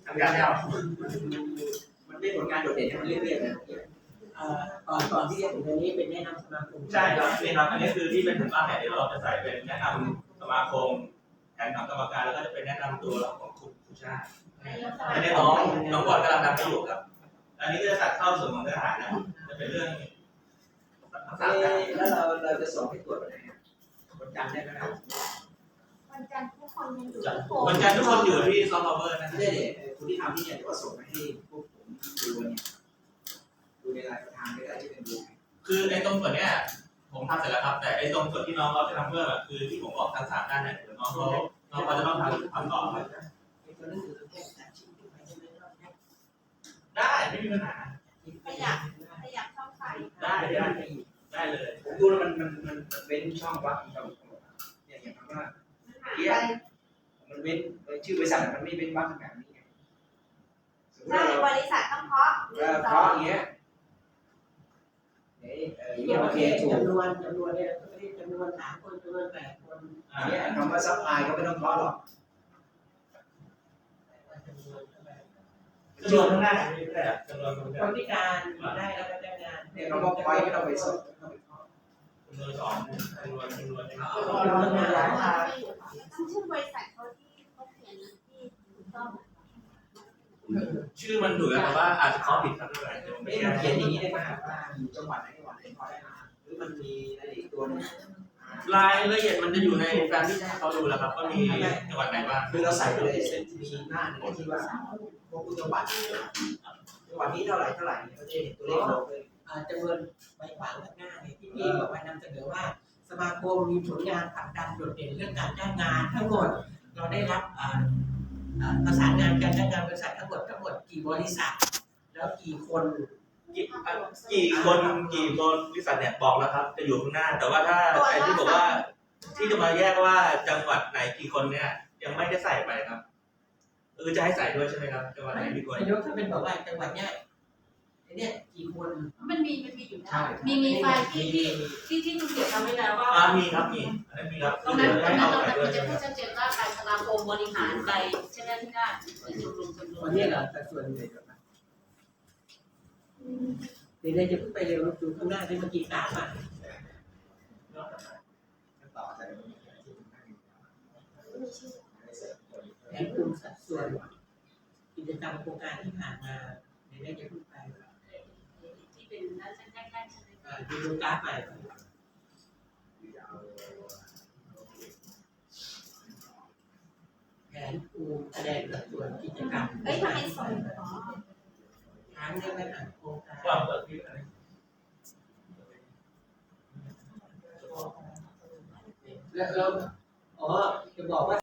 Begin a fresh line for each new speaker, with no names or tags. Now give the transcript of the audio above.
ทำงานแล้วมันได้ผลงานโดดเด่นมันเรื่อยๆนะ
ก่อนที่จะถึงอันนี้เป็นแนะนำสมาคม
ใช่ครับนี่ครับอันนี้คือที่เป็นถึงบ้านเนี่ยเดี๋ยวเราจะใส่เป็นแนะนำสมาคมแผนของกรรมการแล้วก็จะเป็นแนะนำตัวของคุณชาติอันนี้น้องบอลกำลังทำให้อยู่ครับอันนี้ก็จะตัดเข้าส่วนของเนื้อหานะจะเป็นเรื่องภาษา
แล้วเราจะส่งให้ตรวจวันไหนวันจันทร์ได้ไหมครับ
วันจันทร์ทุกคนยังอยู่
วันจันทร์ทุกคนอยู่ที่ซอฟต์พาวเวอร์นะ
ไม่ได้เนี่ยคุณที่ทำที่เนี่ยก็ส่งมาให้พวกผมดูเนี่ยดูในรายประธานก็ได้ที่เป็นดู
คือไอ้ตรงส่วนเนี้ยผมทำเสร็จแล้วครับแต่ไอ้ตรงส่วนที่น้องเขาจะทำเพิ่มอ่ะคือที่ผมบอกทั้ง3ด้านเนี่ยเดี๋ยวน้องเขาจะต้องทำต่อได้ไม่มีปัญหา
ขยับช่องไฟ
ได้เลย
ผมดูแล้วมันเว้นช่องว่างเราเนี่ยอย่างว่ามันเว้นชื่อบริษัทมันไม่เว้นว่างแบบนี้ไงสมมติ
ใช่
เรา
บริษัทต้องเคาะ
เพราะอย่างเงี้ยโอเคถูก
จำนวนเนี่ยไม่ได้จำนวน3 คนจำนวน8 คน
เนี่ยคำว่าซัพพลายก็ไม่ต้องเคาะหรอก
จำนวนข้างหน้าไม่ได้จำนวน
คนพิการได้แล้วก็จ้างงาน
เนี่ยคำว่าพอยไม่ต้องไปสอบ
จำนวน2จำนวน
ต้องชื่อบริษัทเขาที่เขาเขียนที่ถูกต้อง
ชื่อมันถูกแต่ว่าอาจจะเขาผิดครับด้วย
ไม่ได้เขียนอย่างนี้ได้ไหมว่าอยู่จังหวัดไหนพอได้หรือมันมีอะไรอีกตัวนึง
รายละเอียดมันจะอยู่ในการที่ให้เขาดูแล้วครับว่ามีจังหวัดไหนบ้าง
คือเราใส่ไปเลยมีหน้าหนึ่งที่ว่าพวกจังหวัดนี้เท่าไหร่ก็จะเห็นตัวเลขลงเลย
จำนวนใบขวางข้างหน้าเนี่ยที่พี่บอกว่านำเสนอว่าสมาคมมีผลงานผลักดันโดดเด่นเรื่องการจ้างงานทั้งหมดเราได้รับประสานงานการจ้างงานบริษัททั้งหมดกี่บริษัทแล้วกี่คน
กี่คนบริษัทเนี่ยบอกแล้วครับจะอยู่ข้างหน้าแต่ว่าถ้าไอ้ที่บอกว่าที่จะมาแยกว่าจังหวัดไหนกี่คนเนี่ยยังไม่ได้ใส่ไปครับจะให้ใส่ด้วยใช่ไหมครับจังหวัดไหนกี่คน
นายกถ้าเป็นบอกว่าจังหวัดเนี้ยกี่คน
มันมีอยู่นะมีไฟล์ที่คุณเกียรติทำไว้แล้วว่า
มีครับมีอันนั้นมีครับ
ตรงนั้นมันจะพูดชัดเจนว่าการสมาคมบริหารใดใช่ไหมที่ได้จำนวน
วันนี้เหรอแต่ส่วนใหญ่เดี๋ยวจะพูดไปเร็วดูข้างหน้าที่เมื่อกี้กราฟอ่ะแผนภูมิสัดส่วนกิจกรรมโครงการที่ผ่านมาเดี๋ยวจะพูดไป
ที่เป็นด้านแรกๆใช่ไหม
ดูกราฟใหม่แผนภูมิแสดงสัดส่วนกิจกรรม
เอ้ยทำไมส่งอ๋อ
ทางเรื่องไม่ผ่านโครงการ
ความเปิดที่อะไร
แล้วจะบอกว่า